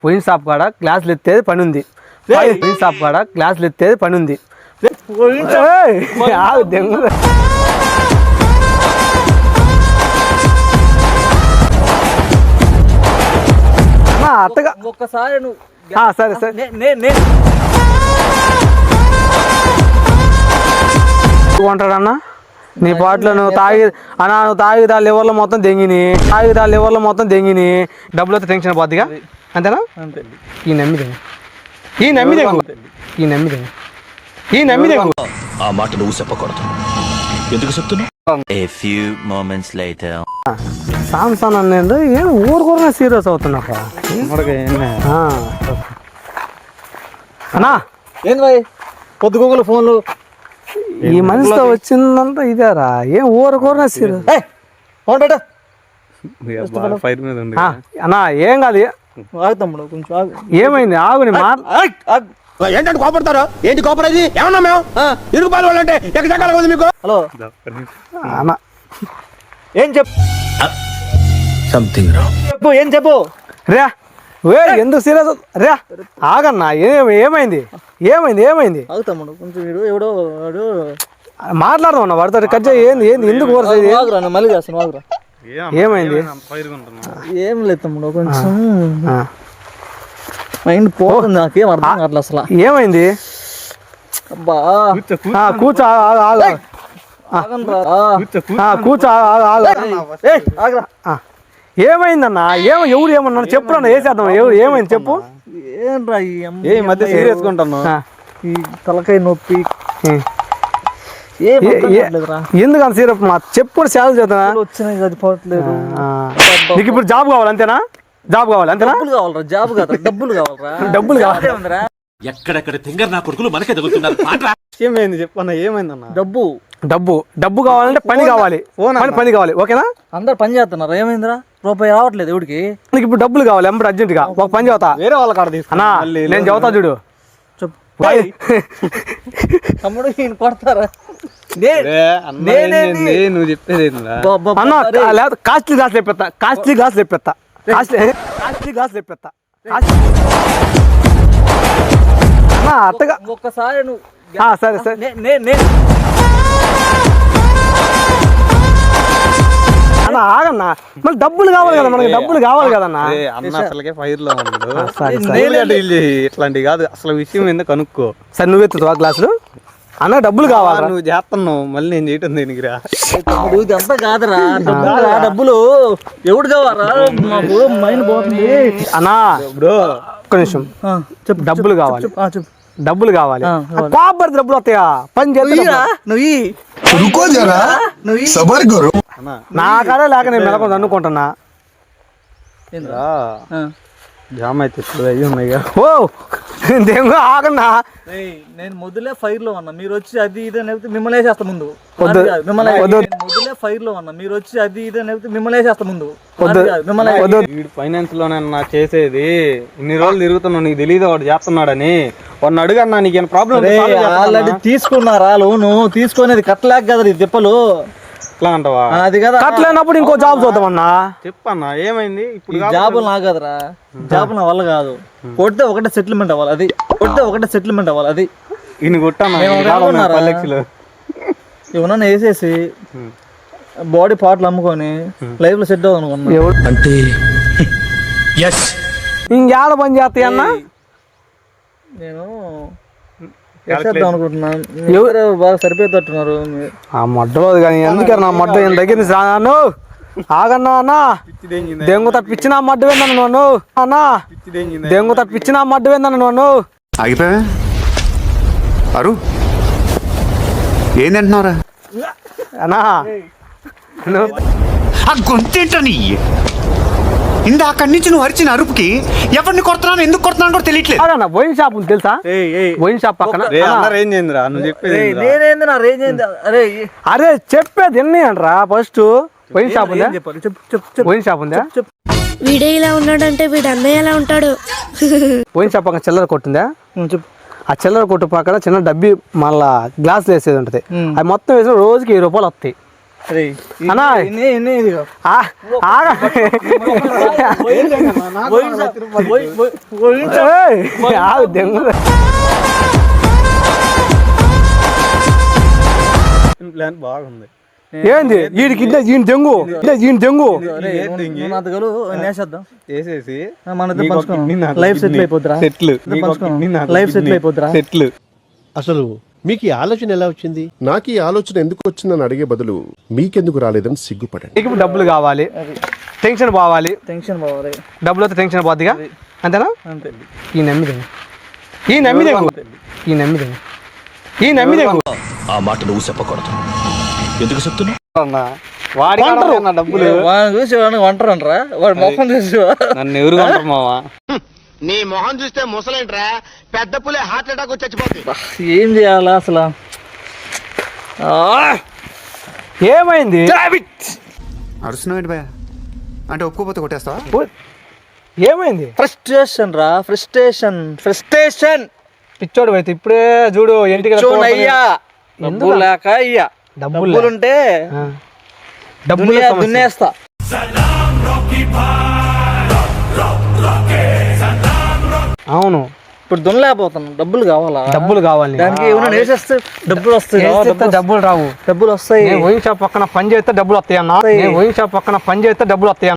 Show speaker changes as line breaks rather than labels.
Wine shop కాడ గ్లాసులు ఎత్తేది పని ఉంది. వైన్ షాప్ కాడ గ్లాసులు ఎత్తేది పని ఉంది. అత్తగా
ఒక్కసారి
సరే సరే కొంటాడన్నా నీ పాటలో నువ్వు తాగి దా లివర్లో మొత్తం దెంగిని డబ్బులు వస్తే టెన్షన్ పోద్దిగా అంతేనా? ఈ నమ్మిదే
ఆ మాట నువ్వు చెప్పకూడదు. ఎందుకు చెప్తున్నా? A few moments later.
Samson అనేది ఏం ఊరుకూరనే సీరియస్ అవుతున్నా అన్నా.
ఏంది భాయ్ పొద్దుగోగులు ఫోన్లు?
ఈ మనిషితో వచ్చిందంతా ఇదేరా, ఏం ఊరుకూరనే సీరియస్.
ఫోన్ పెట్ట
అన్నా. ఏం కాదు,
తమ్ముడు కొంచెం
ఏమైంది? ఆగుని
ఏంటంటే కోపడతారు? ఏంటి కోపడేది? ఏమన్నా మేము ఇరుగు పాలు వాళ్ళంటే ఎక్కడికి ఉంది మీకు?
హలో
అన్నా,
ఏం చెప్పు
సంథింగ్ రాంగ్.
ఏం చెప్పు
రే. ఎందుకు సీరియస్ రే? ఆగన్నా. ఏమైంది?
తమ్ముడు కొంచెం వీడు ఎవడో
మాట్లాడదాం అన్న వాడితో. కట్ చేయి. ఏంది ఎందుకు
మళ్ళీ చేస్తాను.
ఏమైంది?
ఏం లేదు తమ్ముడు, కొంచెం మైండ్ పోతుంది. నాకేం అర్థం కావట్లేదు అసలు.
ఏమైంది?
అబ్బా
కూర్చో. ఏమైందన్నా? ఎవరు ఏమన్నా చెప్పు అన్న. వేసేద్దాం. ఏమైంది చెప్పు.
ఏంట్రా
ఈ మధ్య సీరియస్ ఉంటాను.
ఈ తలకాయ నొప్పి
ఎందుకన్నా సీరియస్? చెప్పు. సేవలు చేద్దాం.
వచ్చినాయి అది పోవట్లేదు.
నీకు ఇప్పుడు జాబ్ కావాలి అంతేనా? అంతేనా?
జాబ్ కాదు, డబ్బులు కావాలరా.
ఎక్కడెక్కడ తింగర్ నా కొడుకులు మనకే తగులుతున్నారు.
ఏమైంది చెప్పన్నా? ఏమైందన్నా?
డబ్బు
కావాలంటే పని కావాలి. పని కావాలి. ఓకేనా?
అందరు పని చేస్తున్నారు. ఏమైందిరా? రూపాయి రావట్లేదు ఎవడికి.
నీకు ఇప్పుడు డబ్బులు కావాలి ఎంబడి అర్జెంట్ గా. ఒక పని చదువుతా, వేరే వాళ్ళ కాడ తీసుకున్నా. నేను చదువుతా చూడు.
తమ్ముడు ఈయన కొడతారా?
నువ్వు చెప్పేది అన్న. కాస్ట్లీ గ్లాస్ తెప్పిస్తా. అత్తగా
ఒక్కసారి
సరే సరే అన్న. ఆగన్నా, మళ్ళీ డబ్బులు కావాలి కదా మనకి. డబ్బులు కావాలి కదన్నా.
అన్న అసలుకే ఫైర్ లో ఇట్లాంటివి కాదు. అసలు విషయం ఎందుకు కనుక్కో.
సరే నువ్వు ఎత్తుతావా గ్లాసులు? అన్న డబ్బులు కావాలి.
నువ్వు చేస్తున్నావు మళ్ళీ నేను చేయటం దేనికి రా?
ఇదంతా కాదురా. డబ్బులు ఎవడు కావాలా? మాకు మైండ్ పోతుంది
అన్నా. ఒక్క నిమిషం. చెప్పు. డబ్బులు కావాలి. డబ్బులు కావాలి. కోపడి డబ్బులు వస్తాయా? పని చేస్తా నా కాడే లేక నేను మెలకొని అనుకుంటున్నా.
జామ్ అయితే ఇప్పుడు అయ్యి ఉన్నాయి.
ఓ దేంగో ఆగన్నా.
నేను మొదలే ఫైర్ లో ఉన్నా, మీరు వచ్చి అది ఇది అని మిమ్మల్ని వేసేస్తా ముందు. మొదలే ఫైర్ లో ఉన్నా, మీరు వచ్చి అది ఇది అని మిమ్మల్ని వేసేస్తా ముందు.
ఫైనాన్స్ లోనన్నా చేసేది. ఇన్ని రోజులు తిరుగుతున్నావు, నీకు తెలియదు వాడు చేస్తున్నాడని. వాడిని అడుగన్నా నీకేం ప్రాబ్లం?
ఆల్రెడీ తీసుకున్నారా లోను? తీసుకునేది కట్టలేక కదా ఈ తిప్పలు.
అంటావా?
అది కదా,
కట్టలేనప్పుడు ఇంకో జాబ్ చూద్దామన్నా.
చెప్పన్నా ఏమైంది? ఇప్పుడు
జాబులు నా కదరా, జాబులు నా వల్ల కాదు. కొడితే ఒకటే సెటిల్మెంట్ అవ్వాలి. అది
ఇన్ని కొట్టాను
ఏమన్నా వేసేసి బాడీ పార్ట్లు అమ్ముకొని లైఫ్ లో సెట్ అవ్వదు అనుకున్నా.
అంటే
ఇంకేడ పని చేస్తాయి అన్న?
నేను అనుకుంటున్నాను. ఎవరు బాగా సరిపోతున్నారు
ఆ మడ్డలో కానీ. ఎందుకే నా మడ్డ దగ్గర రాను? ఆగన్నా అన్నా. దెంగు తప్పించిన మడ్డ వేందన్న నువ్వు అన్నా. దెంగు తప్పించిన మడ్డ వేందన్న నువ్వు.
ఆగిపోయా అరు ఏంటంటున్నారా
అన్నా?
గొంతేంటని ఇందా అక్కడి నుంచి నువ్వు అరిచిన అరుపుకి ఎవరిని కొడుతున్నాను, ఎందుకు కొడుతున్నాను కూడా తెలియట్లేదు.
వైన్ షాప్ ఉంది తెలుసా? వైన్ షాప్ పక్కన. అరే చెప్పేది ఎన్ని అంటరా? ఫస్ట్ వైన్ షాప్ ఉందా? వైన్ షాప్ ఉందా?
వీడే ఇలా ఉన్నాడంటే వీడు అన్నయ్య ఎలా ఉంటాడు?
వైన్ షాప్ పక్కన చిల్లర కొట్టుందా? ఆ చిల్లర కొట్టు పక్కన చిన్న డబ్బి మళ్ళా గ్లాసులు వేసేది ఉంటుంది. అది మొత్తం వేసిన రోజుకి 1000 రూపాయలు వస్తాయి.
అరే,
అన్నా.
ఇదిగో.
ఆగా ఆగు దెంగు
ప్లాన్ బాగుంది.
ఏంది వీడికి ఈయన దెంగు ఈయన దెంగు
వేసేసి
లైఫ్ సెటిల్ అయిపోద్దిరా. లైఫ్ సెటిల్ అయిపోద్దిరా.
సెట్లు.
అసలు మీకు ఈ ఆలోచన ఎలా వచ్చింది? నాకు ఈ ఆలోచన ఎందుకు వచ్చిందని అడిగే బదులు మీకెందుకు రాలేదని సిగ్గుపడండి.
నీకు డబ్బులు కావాలి, టెన్షన్ పోవాలి.
టెన్షన్ పోవాలి.
డబ్బులు వస్తే టెన్షన్ పోద్దిగా, అంతేనా?
అంతే.
ఈ నమ్మిదెంగు ఈ నమ్మిదెంగు ఈ నమ్మిదెంగు ఈ నమ్మిదెంగు
ఆ మాట నువ్వు చెప్పకూడదు. ఎందుకు చెప్తున్నావు?
వాడి డబ్బులు
వాడిని చూసి వాడిని వంటరు అంటారా? వాడి మొఖం చూసి
నన్ను ఎవరు కొంటారు మావా?
నీ మొహం చూస్తే ముసలేంట్రా, పెద్ద పులే హార్ట్ అటాక్ వచ్చి చచ్చిపోతుంది.
ఏం చేయాలా అసలు?
ఏమైంది?
అరుస్తున్నావు ఏంటి భయ? అంటే ఒప్పుకోపోతే కొట్టేస్తావా?
ఏమైంది?
ఫ్రస్ట్రేషన్ రా, ఫ్రస్ట్రేషన్.
పిచ్చోడు అయితే ఇప్పుడే చూడు ఇంటికి
అయ్యా డబ్బులు లేక అయ్యా డబ్బులుంటే దున్నేస్తా.
అవును,
ఇప్పుడు దున్నలేకపోతున్నాం. డబ్బులు కావాలా?
డబ్బులు కావాలి.
దానికి ఏమైనా వేసేస్తే డబ్బులు వస్తాయి.
డబ్బులు రావు.
డబ్బులు వస్తాయి.
వైన్ షాప్ పక్కన పని చేస్తే డబ్బులు వస్తాయి అన్న. వైన్ షాప్ పక్కన పని చేస్తే డబ్బులు వస్తాయి.